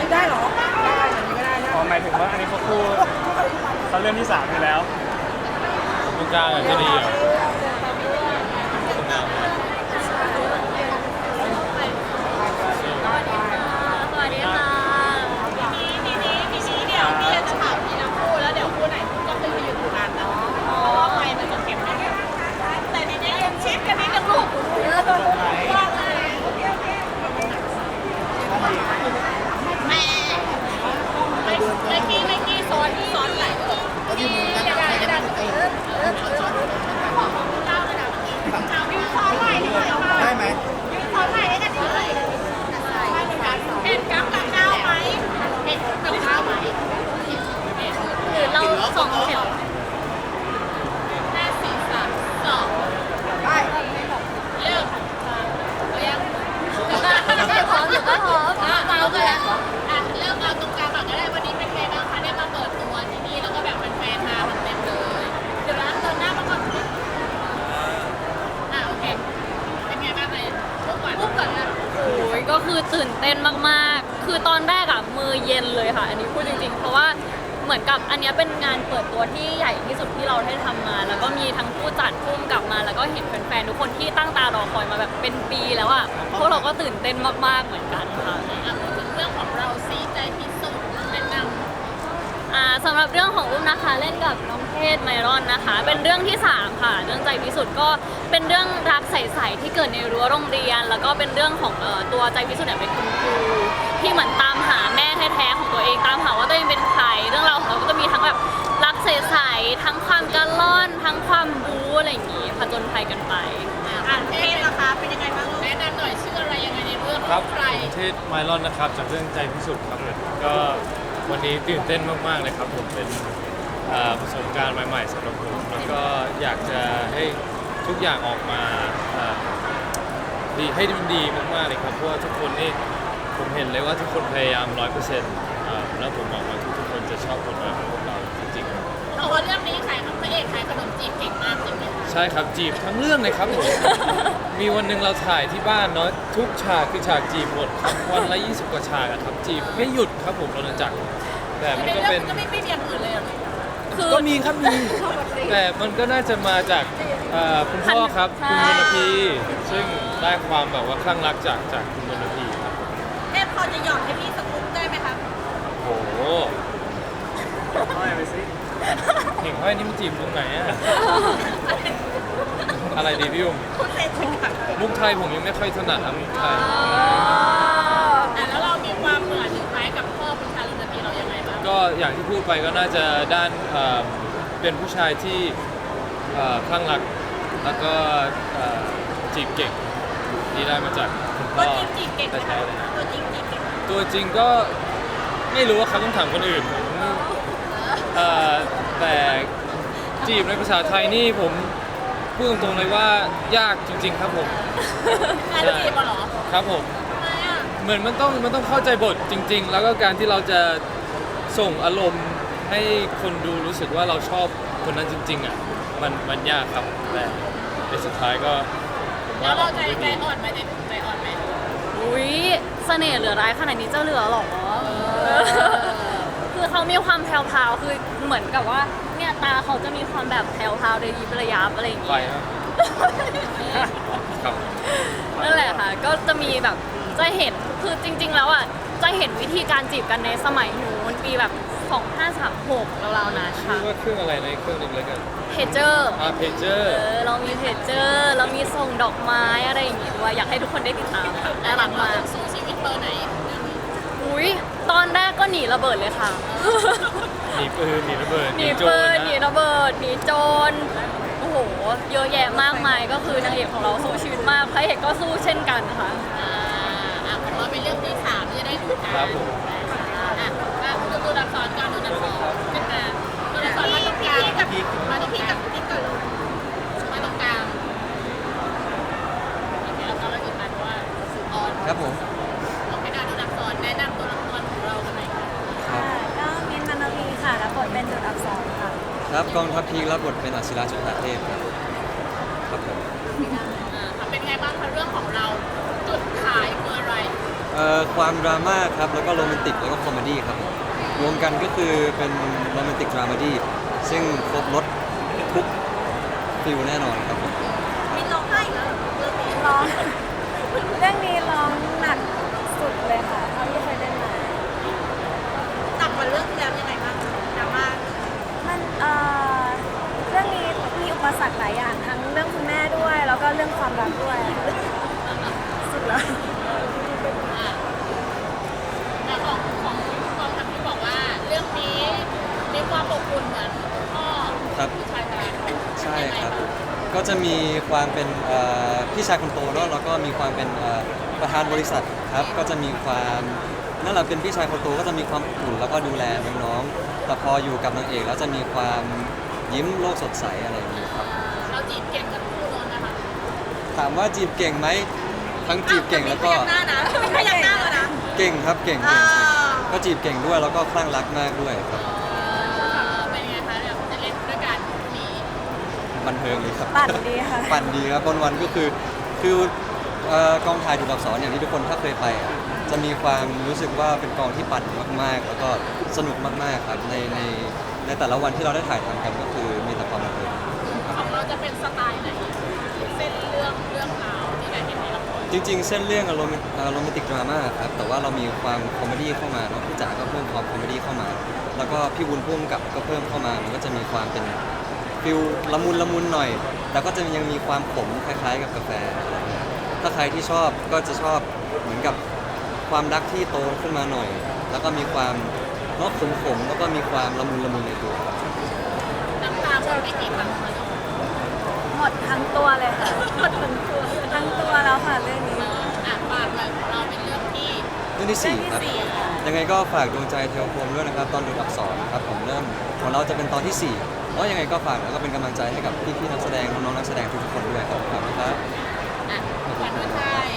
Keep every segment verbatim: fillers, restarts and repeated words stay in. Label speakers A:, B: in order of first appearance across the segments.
A: ได้เหรอได้แบบนี้ก็ได้นะ
B: อ๋อหมายถึงว่าอันนี้เขาคู่เขาเรื่องที่สามอยู่แล้ว
C: ตรงกลางอ่ะจะดีเหรอตรงกลาง
D: สวัสดีค่ะทีนี้ทีนี้ทีนี้เดี๋ยวพี่จะถามทีละคู่แล้วเดี๋ยวคู่ไหนคู่ก็คืออยู่ตรงนั้นนะเพราะว่าไฟมันจะเก็บไม่เก็บแต่ทีนี้ยังชิดกันนิดนึงลูกแม่ไม่ไม่กี้ไม่กี้ซ้อนซ้อนไหลเลยกี้กระดานกระดานเออเออเออของของเจ้าเลยนะเอายืนซ้อนไหลดีกว่าได้ไหมยืนซ้อนไหลได้กันเลยเห็นกับกับเจ้าไหมเห็นกับเจ้าไหมหรือเราสองแถวห้าสี่สามสองได้เริ่มเรียงพร้อมอยู่ก็พร้อมเอาไปแล้วอ่ะเริ่มเอาตรงกลางก่อนก็ได้วันนี้เป็นไงบ้างคะได้มาเปิดตัวที่นี่แล้วก็แบบแฟนๆมาเต็มเลยเดี๋ยวนะเดินหน้ามาก่อนอ่ะโอเคเป็นไงบ้างเลยพูดก่อนพูดก่อนนะโอ้ยก็คือตื่นเต้นมากๆคือตอนแรกอะมือเย็นเลยค่ะอันนี้พูดจริงๆเพราะว่าเหมือนกับอันนี้เป็นงานเปิดตัวที่ใหญ่ที่สุดที่เราได้ทำมา แล้วก็มีทั้งผู้จัดผู้กำกับมาแล้วก็เห็นแฟนๆทุกคนที่ตั้งตารอคอยมาแบบเป็นปีแล้วอ่ะพวกเราก็ตื่นเต้นมากๆเหมือนกันค่ะถึงเรื่องของเราซีใจพิสุทธิ์แนะนำอ่าสำหรับเรื่องของอุ้มนะคะเล่นกับน้องเพศไมรอนนะคะ เป็นเรื่องที่สามค่ะเรื่องใจพิสุทธิ์ก็เป็นเรื่องรักใสๆที่เกิดในรั้วโรงเรียน แล้วก็เป็นเรื่องของเอ่อตัวใจพิสุทธิ์เนี่ยเป็นคุณครูที่เหมือนตามหาแม่แท้ๆของตัวเองตามหาว่าตัวเองเป็นใครเรื่องราวของเราก็จะมีทั้งแบบรักใสๆทั้งความกระล่อนทั้งความบู๊อะไรอย่างงี้ผจญภัยกันไปอ่านเพศนะคะเป็นยังไงบ้างแนะนำหน่อยชื่ออะไรยังไงในเรื่องของใคร
C: เทศไมลอนนะครับจากเรื่องใจพิสุทธิ์ครับก็วันนี้ตื่นเต้นมากๆเลยครับผมเป็นอ่าประสบการณ์ใหม่ๆสำหรับผมแล้วก็อยากจะให้ทุกอย่างออกมาอ่าดีให้มันดีมากๆเลยครับเพราะว่าทุกคนนี่ผมเห็นเลยว่าทุกคนพยายามร้อยเปอร์เซ็นต์แล้วผมหวังว่าทุกๆคนจะชอบผลงานของพวกเราจริงๆ
D: เพราะว่าเรื่องนี้ขายพระเอกขายขนมจีบเก่งมากจริงไหมคะ
C: ใช่ครับจีบทั้งเรื่องเลยครับผม มีวันหนึ่งเราถ่ายที่บ้านเนาะทุกฉากคือฉากจีบหมดครับวันละยี่สิบกว่าฉากอะครับจีบไม่หยุดครับผมเราจักรแต่มันก็เป็น
D: ก็ไม่ไม่มีอย่างอื่นเลยอ่ะคือ
C: ก็มีครับมีแต่มันก็น่าจะมาจากเอ่อคุณพ่อครับคุณวรรณพีซึ่งได้ความแบบว่าคลั่งรักจากจากคุณวรรณพีครับ
D: เทพพอจะหยอดให้พี่สกุ๊ปได้ไหมคะ
C: โอ้โห
B: ห้อยไปสิ
C: เห็นห้อยนี่มันจีบตรงไหนอะอะไรดีพี่อุ้ม
D: คุณเล่นเป็นค่ะ
C: มุกไทยผมยังไม่ค่อยถนัดครับมุกไทย
D: อ่ะแล้วเรามีความเหมือนหรือคล้ายกับพ่อคุณชาลุนทีเรายังไงบ้าง
C: ก็อย่างที่พูดไปก็น่าจะด้านเอ่อเป็นผู้ชายที่เอ่อคลั่งรักแล้วก็เอ่อจีบเก่งที่ได้มาจากคุณ
D: ตั
C: พ่
D: ว
C: อ
D: จริงจีบเก่งไหม
C: แท้
D: คะ
C: ๆเลยนะ
D: ตัวจริงจีบเก่ง
C: ตัวจริงก็ไม่รู้ว่าครับต้องถามคนอื่นผมเอ่อแต่จีบในภาษาไทยนี่ผมพูดตรงๆเลยว่ายากจริง ๆ ครับผม
D: การจีบเหรอ
C: ครับผม
D: ทำไมอ่ะ
C: เหมือนมันต้องมันต้องเข้าใจบทจริง ๆ แล้วก็การที่เราจะส่งอารมณ์ให้คนดูรู้สึกว่าเราชอบคนนั้นจริง ๆอ่ะมันมันยากครับแต่ในสุดท้ายก็ผม
D: แล้
C: ว่าว อ
D: เรา
C: อก
D: ใจ
C: มาได้
D: ใจ
C: ดี
D: อ่อนไหมใจใจอ่อนไหม
E: อุ้ยเสน่ห์เหลือร้ายขนาดนี้จะเหลือหรอ คือเขามีความแพรวๆคือเหมือนกับว่าเนี่ยตาเขาจะมีความแบบแพรวๆระยิบระยับอะไรอย่าง
C: ไป
E: เงี้ย
C: ครับครับ
E: นั่นแหละค่ะ ก็จะมีแบบจะเห็นคือจริง ๆ แล้วอ่ะจะเห็นวิธีการจีบกันในสมัยนู้นปีแบบสองห้าสามหกราวๆนะ
C: ชื่
E: ค่ะ
C: อว่าเครื่องอะไรในะเครื่องหนึงแล้วกัน
E: เพจเจอร์
C: อ่าเพจเจอ
E: เอ
C: ร์
E: อเรามีเพจเจอร์เรามีส่งดอกไม้อะไรอย่างงี้ด้วยอยากให้ทุกคนได้ติดตามค่ะน่ารักมาก
D: สู้ชีวิตเบอร์ไหน
E: อุ้ยตอนแรกก็หนีระเบิดเลยค่ะ
C: หนีปืนหนีระเบิด
E: หนี
C: โจ
E: ปื
C: ร
E: น
C: นะ
E: หนีระเบิดหนีโจรโอ้โหเยอะแยะมากมายก็คือนางเอกของเราสู้ชีวิตมากพระเอกก็สู้เช่นกันค่ะ
D: อ่าอ่ะผมว่าเป็นเรื่องที่สามจะได้ดูกัน
C: ครับผม
D: อ่ะอ่ะดูตัวอักษรก่อนดูตัวอักษรขึ้นมาตัวอักษรมาตรงกลางกับมาตรงพี่กับพี่ก่อนลูกมาตรงกลางโอเคแล้วก็เราหยุดมาเพราะว่าออน
F: ครับผม
D: โอเคนะดูอักษรแนะนำตัวละครของเรากันหน่อยค่ะ
F: ครับ
G: ก็มินท์มานวีค่ะรับบทเป็นจุดอักษรค่ะ
F: ครับกองทัพพีครับบทเป็นอัศิราจุฑาเทพครับครับผม
D: อ่าเป็นไงบ้างคะเรื่องของเราจุดขายคืออะไร
F: เอ่อ่อความดราม่าครับแล้วก็โรแมนติกแล้วก็คอมเมดี้ครับผมรวมกันก็คือเป็นโรแมนติกดราม่าดี้ซึ่งครบรถทุกฟิลแน่นอนครับผม
G: มินร้องไห้เหรอร้องเรื่องนี้ร้องหนักสุดเลยค่ะเท่าที่เคยเล่นมา
A: หนักกว่าเรื่องที่แล้วยังไงบ้างดราม่า
G: มันเอ่อเรื่องนี้มีอุปสรรคหลายอย่างทั้งเรื่องคุณแม่ด้วย แล้วก็เรื่องความรักด้วยสุดแล้ว
E: แต่ของของกองทัพที่บอกว่าเรื่องนี้มีความอบอุ่นเหมือนพ่อ
F: ครับ
E: ผู้ชายชาย
F: ใช่ครับ ก็จะมีความเป็นเอ่อพี่ชายคนโตเนอะแล้วก็มีความเป็นเอ่อประธานบริษัทครับ ก็จะมีความนั่นแหละเป็นพี่ชายคนโตก็จะมีความอบอุ่นแล้วก็ดูแลน้องๆแต่พออยู่กับนางเอกแล้วจะมีความยิ้มโลกสดใสอะไรอย่างนี้ครับ
E: เราจีบเก่งกันคู่โน้นนะคะ
F: ถามว่าจีบเก่งไหมทั้งจีบเก่งแล้วก็
A: พยักหน้านะไม่พยักหน้าเลยนะ
F: เก่งครับเก่ง
A: อ่า
F: เก่งเก่งก็จีบเก่งด้วยแล้วก็คลั่งรักมากด้วยครับ
E: เป็นไงคะเนี่ยจะเล่นด้วยกันมี
F: บันเทิงเลยครับ
G: ปั่นดีค่ะ
F: ปั่นดีครับวันวันๆก็คือคือเอ่อกองถ่ายดูดอักษรอย่างที่ทุกคนถ้าเคยไปอ่ะจะมีความรู้สึกว่าเป็นกองที่ปั่นมากๆ แล้วก็สนุกมากๆครับในในในแต่ละวันที่เราได้ถ่ายทำกันก็คือมีแต่ความบันเทิง
E: ของเราจะเป็นสไตล์ไหนเส้นเรื่องเรื่องราวที่ได้เห็นในละคร
F: จริงๆ เส้นเรื่องโรแมนโรแมนติกดราม่าครับแต่ว่าเรามีความคอมเมดี้เข้ามาเนาะพี่จ๋าก็เพิ่มความคอมเมดี้เข้ามา แล้วก็พี่บุญพุ่มกับก็เพิ่มเข้ามามันก็จะมีความเป็นฟิลละมุนละมุนหน่อย แต่ก็จะยังมีความขมคล้ายๆ กับกาแฟอะไรเงี้ยถ้าใครที่ชอบก็จะชอบเหมือนกับความรักที่โตขึ้นมาหน่อย แล้วก็มีความเนาะขมๆแล้วก็มีความละมุนละมุนในตัวครับ
E: น้ำตาหมดไม่กี่ครั้งคะน้อง
G: หมดทั้งตัวเลยค่ะหมดทั้งตัวทั้งตัวแล้วค่ะเรื่องนี้
E: อ่ะฝากเลยของเราเป็นเรื่องที่
F: เรื่องที่สี่ครับ
E: เรื่องที่สี่ค่ะ
F: ยังไงก็ฝากดวงใจเทวพรหมด้วยนะครับ ตอนดูดอักษรครับผมเริ่มของเราจะเป็นตอนที่สี่แล้วยังไงก็ฝากแล้วก็เป็นกำลังใจให้กับพี่ๆนักแสดงน้องๆนักแสดงทุกๆคนด้วยครับขอบคุณครับ
E: อ่ะขวัญฤทัย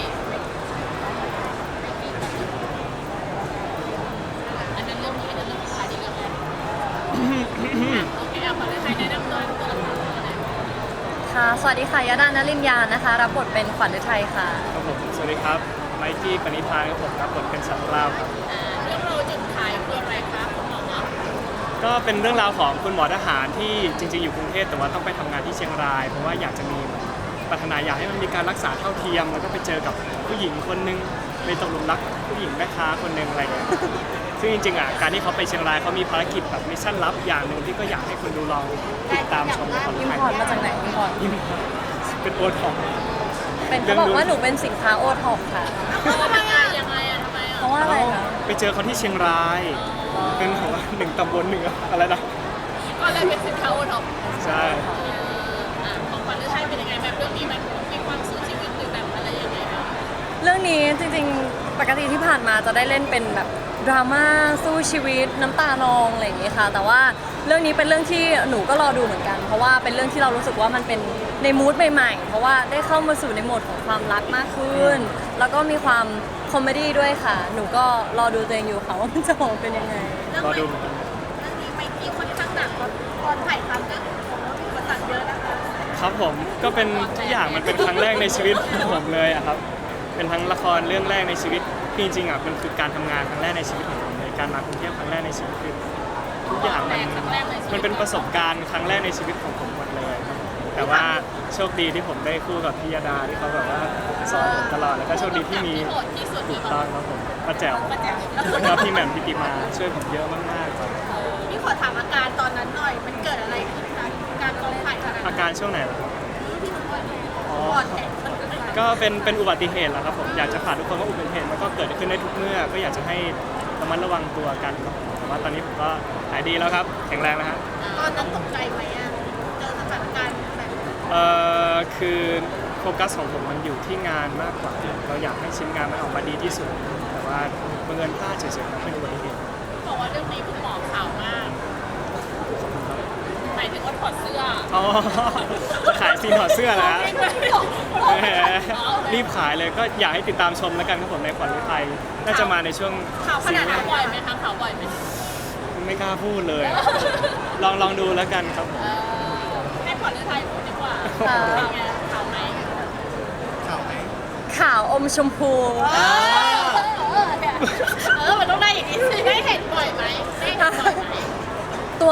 E: อันนั้นเรื่องนี้อันนั้นเรื่องสุดท้ายที่เรื่องแรกอ่ะโอเคอ่ะขวัญฤทัยแนะนำตัวตัวละครตัวไหน
D: ค่ะ สวัสดีค่ะยดานลินยานะคะ รับบทเป็นขวัญฤทัยค่ะ
B: ครับผมสวัสดีครับไมกี้ปณิธานครับผมรับบทเป็นสัตว์กล้าวครับ
E: อ่าเรื่องเราจุดขายคืออะไรคะคุณหมอ
B: ก็เป็นเรื่องราวของคุณหมอทหารที่จริงๆอยู่กรุงเทพแต่ว่าต้องไปทำงานที่เชียงราย เพราะว่าอยากจะมีปรารถนาอยากให้มันมีการรักษาเท่าเทียม แล้วก็ไปเจอกับผู้หญิงคนนึงไปตกหลุมรักผู้หญิงแม่ค้าคนนึงอะไรเงี้ยซึ่งจริงๆอ่ะการที่เขาไปเชียงรายเขามีภารกิจแบบมิชชั่นลับอย่างหนึ่งที่ก็อยากให้คนดูลองติดตามชมในคอน
D: อิม
B: ไทย
D: พอร์ตมาจากไหนอิมพอร์ต
B: อิมพอร์ตเป็นโอท็อป
D: เป็นเขาบอกว่าหนูเป็นสินค้าโอท็อปค่ะ
E: เออทำไมยังไงอ่ะทำไมอ่ะ
D: เพราะว่าอะไรคะ
B: ไปเจอเขาที่เชียงรายเป็นของว่าหนึ่งตำบลหนึ่งอะไรนะ
E: ก็เลยเป็นสินค้าโอท็อป
B: ใช่
E: อ่ะของขวัญฤทัยเป็นยังไงแบบเรื่องนี้มันมีความสู้ชีวิตหรือแบบอะไรยังไงบ้าง
D: เรื่องนี้จริงๆ ปกติที่ผ่านมาจะได้เล่นเป็นแบบดราม่าสู้ชีวิตน้ำตานองอะไรอย่างนี้ค่ะ แต่ว่าเรื่องนี้เป็นเรื่องที่หนูก็รอดูเหมือนกัน เพราะว่าเป็นเรื่องที่เรารู้สึกว่ามันเป็นในมูดใหม่ๆ เพราะว่าได้เข้ามาสู่ในโหมดของความรักมากขึ้น แล้วก็มีความคอมเมดี้ด้วยค่ะ หนูก็รอดูตัวเองอยู่ค่ะว่ามันจะออกมาเป็นยังไง
B: รอดูเหมือนกัน
A: เรื่องนี้ไม่กี่ค่อนข้างหนักตอนตอนถ่ายทำก็ผมว่ามีอุปสรรคเยอะนะคะ
B: ครับผมก็เป็นทุกอย่างมันเป็นครั้งแรกในชีวิตของผมเลยอะครับเป็นทั้งละครเรื่องแรกในชีวิตที่จริงๆอ่ะมันคือการทำงานครั้งแรกในชีวิตของผมเลยการมากรุงเทพครั้งแรกในชีวิตคือทุกอย่างมันมันเป็นประสบการณ์ครั้งแรกในชีวิตของผมหมดเลยครับแต่ว่าโชคดีที่ผมได้คู่กับพี่ยดาที่เขาแบบว่าสอนผมตลอดแล้วก็โชคดีที่มี
E: ที่โหดที่สุด
B: ถู
E: คือก
B: ต้องครับผมป้าแจ๋ว
E: ประแจว
B: แล้วก็พี่แหม่มพิติมาช่วยผมเยอะมากๆครับ
A: พี่ขอถามอาการตอนนั้นหน่อย มันเกิดอะไรขึ้นคะการกองถ่ายขนาด
B: อา
A: นั้น
B: การช่วงไหนล่ะครับ
A: ที่มันปวด
B: อ๋อ
A: ปอดแตกมันเกิดอะไร
B: ก็เป็นเป็นอุบัติเหตุแหละครับผมอยากจะฝากทุกคนว่าอุบัติเหตุมันก็เกิดขึ้นได้ทุกเมื่อก็อยากจะให้ระมัดระวังตัวกันครับผมแต่ว่าตอนนี้ผมก็หายดีแล้วครับแข็งแรงแล้วฮะ
A: ตอนนั้นตกใจไหมอ่ะเจอสถานการณ์แบบ
B: เอ่อคือโฟกัสของผมมันอยู่ที่งานมากกว่า เราอยากให้ชิ้นงานมันออกมาดีที่สุด แต่ว่าบังเอิญพลาดเฉยๆครับเป็นอุบัติเหตุ
E: บอกว่าเรื่องนี้คุณหมอข่าวมากหมายถึงว่าถอดเสื้อ
B: อ๋อจะขายซีนถอดเสื้อแล้วแหมรีบขายเลยก็อยากให้ติดตามชมแล้วกันครับผมในขวัญฤทัยน่าจะมาในช่วง
E: ข่าวขนาดนั้นบ่อยไหมคะข่าวบ่อยไหม
B: ไม่กล้าพูดเลย ลองลองดูแล้วกันครับผม
E: เออให้ขวัญฤทัยพูดดีกว่า
D: ค่ะ
E: ข่าวไงข่าวไหม
D: ขาวอมชมพู
E: เออ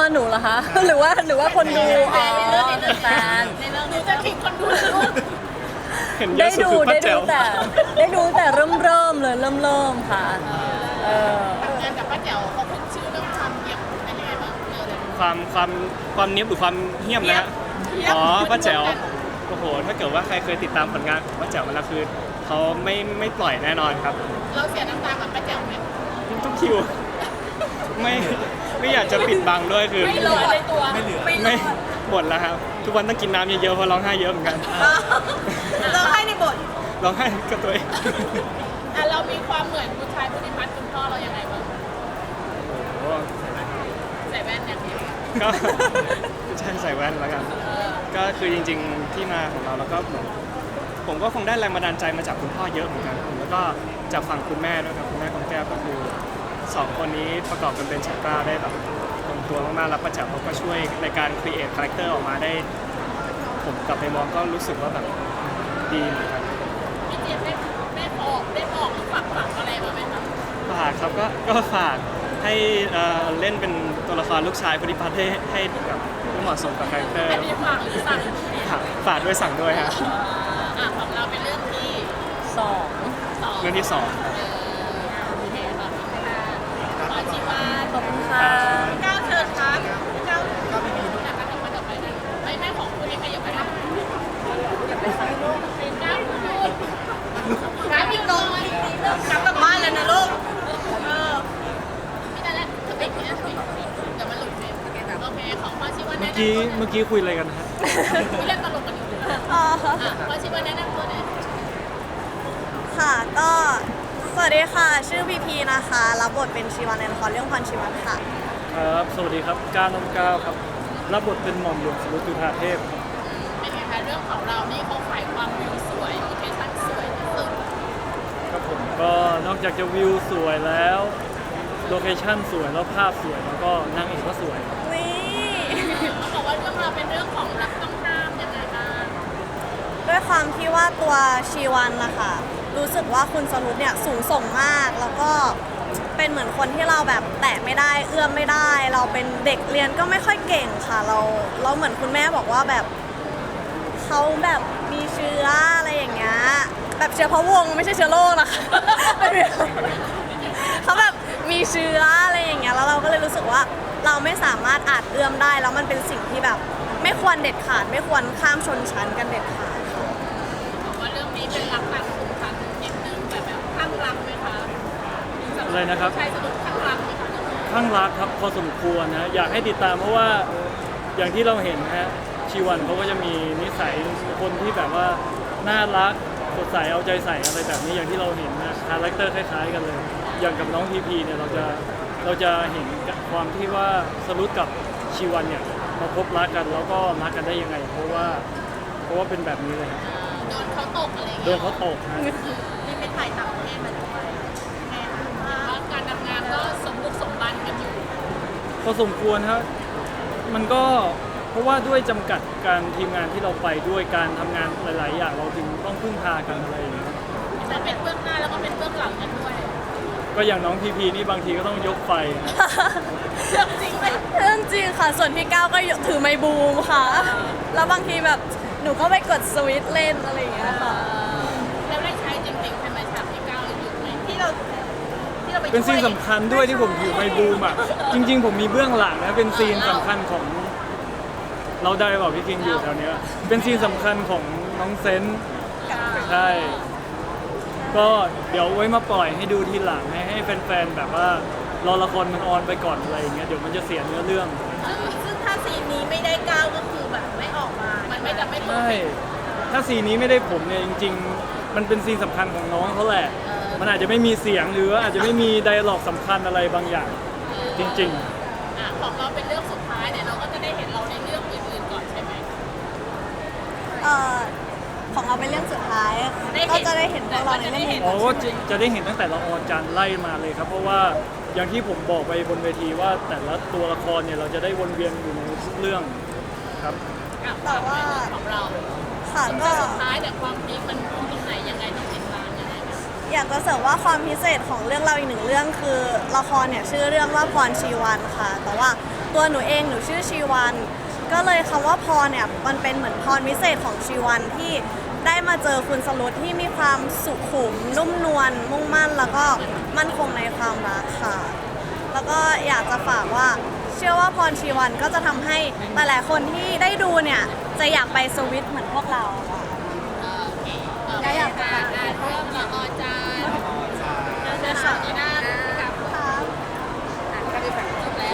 E: หนูเหรอคะ หรือว่าหรือว่าคนดูอ๋อ
A: ในเรื่องในเรื่องแฟนในเรื่องหนูจะขิงคนดูลูก
B: เห็นเย
E: ได้
B: อะสุด
E: ดู
B: คือป้า
E: ได้
B: แจ๋
E: ดู
B: ว
E: แต่ได้ดูแต่เริ่มเริ่มเลยเริ่มเริ่มค่ะเออ
A: งานกับป้าแจ๋วเขาขึ้นชื่อเรื่องความเงียบเป็นยังไงบ้างเรื่องอะไร
B: ความความความเนี้ยบหรือความเหี้ยมนะฮะ
A: เหี้ยม
B: อ๋อป้าแจ๋วโอ้โหถ้าเกิดว่าใครเคยติดตามผลงานของป้าแจ๋วมาแล้วคือเขาไม่ไม่ปล่อยแน่นอนครับ
A: เราเสียน้ำตากับป้าแจ๋วไหม
B: ทุกคิวไม่ไม่อยากจะปิดบังด้วยคือ
A: ไม่เหลือในตัวไม่เหลือ
B: ไม่หมดแล้วครับ ทุกวันต้องกินน้ำเยอะๆเพราะร้องไห้เยอะเหมือนกัน
A: เราให้ในบท
B: ร้องไห้กับตัวเอง
A: อ่ะเรามีความเหมือนผู้ชายผู้นิพัฒน์คุณพ่อเรายังไงบ้าง
B: โอ้โห
A: ใส่แว่นอย่างเดียว
B: ก็ใช่ใส่แว่นแล้วกัน ก็คือจริงๆที่มาของเราแล้วก็เหมือนผมก็คงได้แรงบันดาลใจมาจากคุณพ่อเยอะเหมือนกันแล้วก็จากฝั่งคุณแม่ด้วยครับคุณแม่ของแก้วก็คือสองคนนี้ประกอบกันเป็นชัตราได้แบบลงตัวมากๆแล้วป้าแจ๋วเขาก็ช่วยในการครีเอทคาแรคเตอร์ออกมาได้ ผมกลับไปมองก็รู้สึกว่าแบบดีเหมือนกัน
A: พี่เจี๊ยบได้ได้บอกได้บอกหรือฝากฝังอะไรบ้างไหมคะ
B: ฝากครับก็ก็ฝากให้เอ่อเล่นเป็นตัวละครลูกชายพุทธิพัฒน์ให้ให้แบบเหมาะสมกับคาแรคเตอร์
A: อันนี้ฝากหรือสั่ง
B: ฝากฝากด้วยสั่งด้วยฮะ
A: อ่ะของเราเป็นเรื่องที่
E: สอง
A: สอง
B: เรื่องที่สอง
A: เออโอเคค่ะขอชีวา
E: ขอบคุณค่ะ
A: ก้าวเชิญครับก้าวก้าวไม่มีแต่ก็ต้องมาต่อไปนะไม่ไม่ของคุณเองขยับไปนะอย่าไปใส่ลูกเป็นก้าวคุณลูกก้าวยิ่งลงกลับกลับบ้านแล้วนะลูกเออไม่ได้แล้วจะไปกินอะไรเดี๋ยวมันหลุดเฟรมโอเคของพ่อชีวา
C: เมื่
A: แนะ
C: อน กี้
A: ำตัว
C: เมื่อกี้คุยอะไรกันนะฮะ
A: คุยเรื่องตลกกันอยู่
G: อ๋อ
A: อ่ะพ่อชีวาแนะนำตัวหน่อย
G: ค่ะก็สวัสดีค่ะ ชื่อพีพีนะคะ รับบทเป็นชีวันในละครเรื่องพรชีวันค่ะ
C: ครับสวัสดีครับก้าวนมก้าวครับรับบทเป็นหม่อมหลวงสรุตจุฑาเทพ
A: เป็นไงคะเรื่องของเรานี่เขาขายความวิวสวยโลเคชั่นสวยที่สุด
C: ครับผมก็นอกจากจะวิวสวยแล้วโลเคชั่นสวยแล้วภาพสวยแล้วก็นางเอกก็สวย
G: นี่
A: เขาบอกว่าเรื่องเราวเป็นเรื่องของรักต้องห้ามยังไงบ้าง
G: ด้วยความที่ว่าตัวชีวันนะคะรู้สึกว่าคุณสรุปเนี่ยสูงส่งมาก แล้วก็เป็นเหมือนคนที่เราแบบแตะไม่ได้เอื้อมไม่ได้ เราเป็นเด็กเรียนก็ไม่ค่อยเก่งค่ะ เราเราเหมือนคุณแม่บอกว่าแบบเขาแบบมีเชื้ออะไรอย่างเงี้ยแบบเชื้อพระวงศ์ไม่ใช่เชื้อโรคนะคะ เขาแบบมีเชื้ออะไรอย่างเงี้ยแล้วเราก็เลยรู้สึกว่าเราไม่สามารถอาจเอื้อมได้แล้วมันเป็นสิ่งที่แบบ ไม่ควรเด็ดขาดไม่ควรข้ามชนชั้นกันเด็ดขาดค่ะ
A: บอกว่าเรื่องนี้เป็นรักต่างสุพรรณนิดนึงแต่แบบข้างรักไหมคะ
C: อะไรนะครับ
A: ชายสนุกข้างรักไหมคะเรื่องนี้
C: ข้างรักครับพอสมควรนะอยากให้ติดตามเพราะว่าอย่างที่เราเห็นนะฮะชีวันเขาก็จะมีนิสัยคนที่แบบว่าน่ารักสดใสเอาใจใส่อะไรแบบนี้อย่างที่เราเห็นนะคาแรคเตอร์คล้ายๆกันเลย อย่างกับน้องพีพีเนี่ยเราจะเราจะเห็นความที่ว่าสรุปกับชีวันเนี่ยมาพบรักกันแล้วก็รักกันได้ยังไง เพราะว่าเพราะว่าเป็นแบบนี้เลย
A: โดนเขาตกอะไรอย่าง
C: โด
A: เงี้
C: น
A: ย
C: เขาตกนะ
A: นี่เป็นถ่ายต่างประเทศมาด้วยไงคะว่าการทำงานก็สมบุกสมบันกันอยู่
C: พอสมควรครับมันก็เพราะว่าด้วยจำกัดการทีมงานที่เราไปด้วยการทำงานหลาย ๆ อย่างเราจึงต้องพึ่งพากันอะไรอย่างเงี้ย
A: แต่เป็นเบื้องหน้าแล้วก็เป็นเบื้องหลังกันด้วย
C: ก็อย่างน้องพีพีนี่บางทีก็ต้องยกไฟนะ
A: เรื่องจริงไหม
G: เรื่องจริงค่ะ ส่วนพี่ก้าวก็ถือไมค์บูมค่ะ แล้วบางทีแบบหนูก็ไปกดสวิตช์เล่นอะไรอย่างเงี้ยค่ะ
A: แล้วได้ใช้จริงๆใช่ไหมฉากที่ก้าวอยู่ไหมที่เราที่เราไป
C: เป็นซีน
A: ช่วย
C: สำคัญด้วยที่ผมถือไมค์บูมอ่ะจริง ๆ ผมมีเบื้องหลังนะเป็นซีนสำคัญของเราได้บอกพี่คิงอยู่แถวเนี้ยเป็นซีนสำคัญของน้องเซนต์ใช่ก็เดี๋ยวไว้มาปล่อยให้ดูทีหลังให้ให้แฟนๆแบบว่ารอละครมันออนไปก่อนอะไรอย่างเงี้ยเดี๋ยวมันจะเสียเนื้อเรื่อง
A: ซึ่งถ้าซีนนี้ไม่ได้ก้าวก็คือแบบไม่ออกมา มันไม่จะไม่เพอร์
C: ใช่
A: เฟกต์
C: ถ้าซีนนี้ไม่ได้ผมเนี่ยจริง ๆ มันเป็นซีนสำคัญของน้องเขาแหละ มันอาจจะไม่มีเสียงหรือว่าอาจจะไม่มีไดอะล็อกสำคัญอะไรบางอย่าง จริง
A: อ่ะของเราเป็นเรื่องสุดท้ายเนี่ยเราก็จะได้เห็นเราในเรื่องอื่นๆก่อนใช่ไหม
G: เอ่อของเราเป็นเรื่องสุดท้าย
A: ได้เห็น
G: ก็จะได้เห็นพวกเราในเรื่อง
C: ๆ
G: อื่น
C: อ๋อก็จะจะได้เห็นตั้งแต่ละออนจันทร์ไล่มาเลยครับ เพราะว่าอย่างที่ผมบอกไปบนเวทีว่าแต่ละตัวละครเนี่ยเราจะได้วนเวียนอยู่ในทุกเรื่องครับ
A: อ่ะแต่ว่าของเรา
G: ค่ะ
A: สุด
G: ก็
A: ท้ายแต่ความพีคมันอยู่ตรงไหนยังไงต้องติดตามยังไงบ้าง
G: อยากจะเสริมว่าความพิเศษของเรื่องเราอีกหนึ่งเรื่องคือละครเนี่ยชื่อเรื่องว่าพรชีวันค่ะ แต่ว่าตัวหนูเองหนูชื่อชีวัน ก็เลยคำว่าพรเนี่ยมันเป็นเหมือนพรพิเศษของชีวันที่ได้มาเจอคุณสรุตที่มีความสุขุมนุ่มนวลมุ่งมั่น แล้วก็มั่นคงในความรักค่ะ แล้วก็อยากจะฝากว่าเชื่อว่าพรชีวันก็จะทำให้หลายๆคนที่ได้ดูเนี่ยจะอยากไปสวิตช์เหมือนพวกเราค่ะ
A: โอเคก็อยากจะอ่านเรื่องละออจานเรื่องสาวนีน่ากับอ่านก็ไปฝังจบแล้ว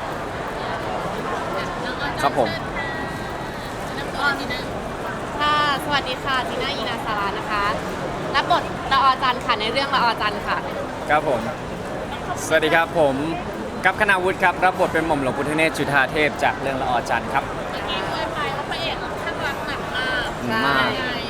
H: ครับผม
A: น้ำก้อนนี่นะ
E: ค่ะสวัสดีค่ะจีน่ายีนาสารานะคะรับบทละออจันทร์ค่ะในเรื่องละออจันทร์ค่ะ
H: ครับผม สวัสดีครับผมกัปคณาวุฒิครับรับบทเป็นหม่อมหลวงพุทธเนศจุฑาเทพจากเรื่องละออจันทร์ครับ
A: เมื่อกี้คุยไปว่าพระเอกข้างรักหนักมาก
H: มาก
A: ยังไง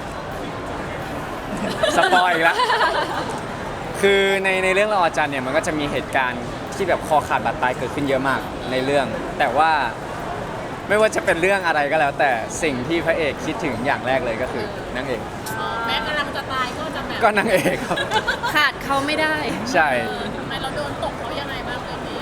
H: สปอยอีกแล้ว คือในในเรื่องละออจันทร์เนี่ยมันก็จะมีเหตุการณ์ที่แบบคอขาดบาดตายเกิดขึ้นเยอะมากในเรื่อง แต่ว่าไม่ว่าจะเป็นเรื่องอะไรก็แล้ว แต่สิ่งที่พระเอกคิดถึงอย่างแรกเลยก็คือนางเอก
A: อ๋อแม้กำลังจะตายก็จะแบบ
H: ก็นางเอกครับ
E: ขาดเขาไม่ได้
H: ใช่
A: เออทำไมเราโดนตกเขายังไงบ้างเรื่องนี้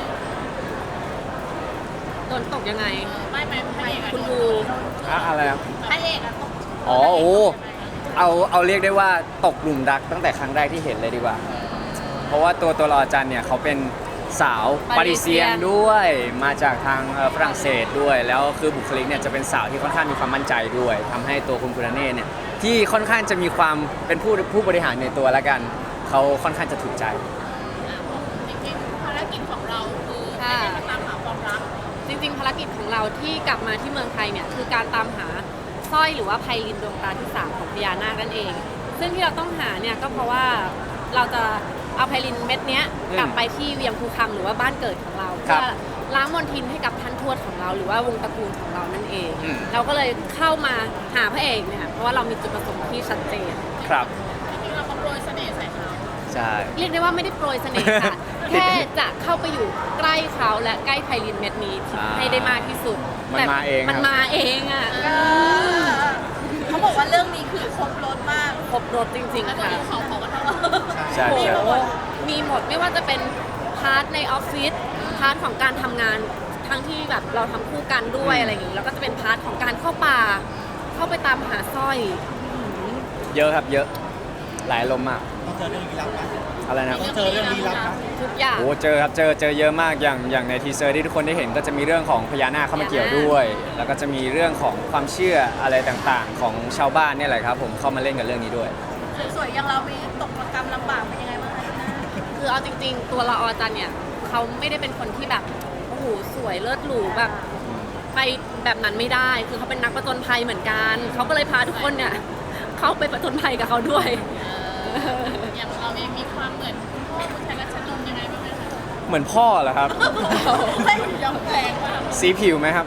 E: โดนตกยังไง
A: เออไม่ไม่พระเอกอะ
E: คุณ
A: โด
E: บู
A: น
H: อะอะไรครับ
A: พระเอกอะตก
H: อ๋อโอ้เอาเอาเรียกได้ว่าตกหลุมรักตั้งแต่ครั้งแรกที่เห็นเลยดีกว่า เพราะว่าตัวตัวละออจันทร์เนี่ยเขาเป็นสาวปารีเซียนด้วยมาจากทางเอ่อฝรั่งเศสด้วย แล้วคือบุคลิกเนี่ยจะเป็นสาวที่ค่อนข้างมีความมั่นใจด้วยทำให้ตัวคุณพุทธเนศเนี่ยที่ค่อนข้างจะมีความเป็นผู้ผู้บริหารในตัวแล้วกันเขาค่อนข้างจะถูกใจ
A: จริงๆภารกิจของเราคือ
E: ค่ะ
A: ไม่ได้มาตามหาความรัก
E: จริงๆภารกิจของเราที่กลับมาที่เมืองไทยเนี่ยคือการตามหาสร้อยหรือว่าไพลินดวงตาที่สามของพญานาคนั่นเอง ซึ่งที่เราต้องหาเนี่ยก็เพราะว่าเราจะเอาไพลินเม็ดเนี้ย
H: อืม
E: กลับไปที่เวียงภูคังหรือว่าบ้านเกิดของเรา
H: ครับ
E: เพื่อล้างมลทินให้กับท่านทวดของเรา หรือว่าวงตระกูลของเรานั่นเอง
H: อืม
E: เราก็เลยเข้ามาหาพระเอกเนี่ยเพราะว่าเรามีจุดประสงค์ที่ชัดเจน
H: ครับ
A: จริงๆเราก็โปรยเสน่ห์ใส่เขา
H: ใช่
E: เรียกได้ว่าไม่ได้โปรยเสน่ห์ค่ะ แค่จะเข้าไปอยู่ใกล้เขาและใกล้ไพลินเม็ดนี้
H: อ่า
E: ให้ได้มากที่สุด
H: มัน
E: แต่
H: มาเอง
E: มัน
H: ครับ
E: มาเองอ่ะ
A: เขาบอกว่าเรื่องนี้คือครบรถมาก
E: ครบรถจริง
A: แล้ว
E: ๆ
A: ก็
E: ค่ะ
A: ดูเขาเขาก็ท
H: ใช่
E: โอ้
H: ใช่
E: โหมีหมดไม่ว่าจะเป็นพาร์ทในออฟฟิศพาร์ทของการทำงานทั้งที่แบบเราทำคู่กันด้วยอะไรอย่างนี้แล้วก็จะเป็นพาร์ทของการเข้าป่า เข้าไปตามหาสร้อย
H: เยอะครับเยอะหลายลมณ์มาก
I: ต้องเจอเรื่องลี้ลับไหม
H: อะไรนะ
I: ต้องเจอเรื่องลี้ลับไหม
E: ทุกอย่าง
H: โอ้เจอครับเจอเจอเยอะมากอย่างอย่างในทีเซอร์ที่ทุกคนได้เห็นก็จะมีเรื่องของพญานาคเข้ามาเกี่ยวด้วย แล้วก็จะมีเรื่องของความเชื่ออะไรต่างๆ ของชาวบ้านเนี่ยแหละครับผมเข้ามาเล่นกับเรื่องนี้ด้วย
A: ำสวยๆอย่างเรามีตกระกรรมลำบากเป็นยังไงบ้างคะ
E: คือเอาจริง ๆ ตัวละออจันเนี่ยเขาไม่ได้เป็นคนที่แบบโอ้โหสวยเลิศหรูแบบไปแบบนั้นไม่ได้ คือเขาเป็นนักประจนภัยเหมือนกันเขาก็เลยพาทุกคนเนี่ยเข้าไปประจนภัยกับเขาด้วย
A: อย่างเราเองมีความเหมือนคุณพ่อคุณชายรัชนนท์ยังไงบ้างไหมคะ
H: เหมือนพ่อเหรอครับ
A: ไม่ยอมแรงมาก
H: สีผิวไหมครับ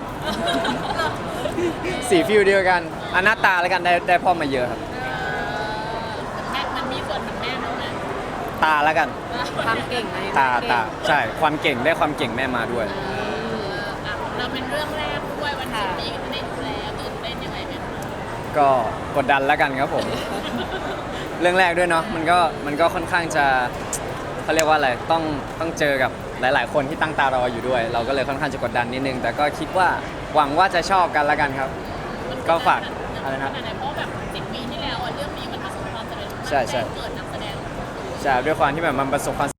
H: สีผิวเดียวกันอันหน้าตาแล้วกันได้ได้พ่อมาเยอะครับ
A: แม่มันมีส่วนของแม่ด้วยไหม
H: ตาแล้วกัน
E: ความเก่งไง
H: ตา
E: ความเก่ง
H: ตาใช่ความเก่งได้ความเก่งแม่มาด้วย
A: อ่ะเราเป็นเรื่องแรกด้วยวันศุกร์นี้ก็จะได้ดูแล้วตื่นเต้นยังไงไหมคะ
H: ก็กดดันแล้วกันครับผม เรื่องแรกด้วยเนาะมันก็มันก็ค่อนข้างจะเขาเรียกว่าอะไรต้องต้องเจอกับหลาย ๆ คนที่ตั้งตารออยู่ด้วย เราก็เลยค่อนข้างจะกดดันนิดนึง แต่ก็คิดว่าหวังว่าจะชอบกันแล้วกันครับ ก็ฝากอะไรนะ
A: ขนาดไหนเพราะแบบสิบปีที่แล้วอ่ะเรื่องนี้มันประสบความสำเร็จมาก
H: ใช่ใช่
A: เกิดนักแสดง
H: ใช่ด้วยความที่แบบมันประสบความ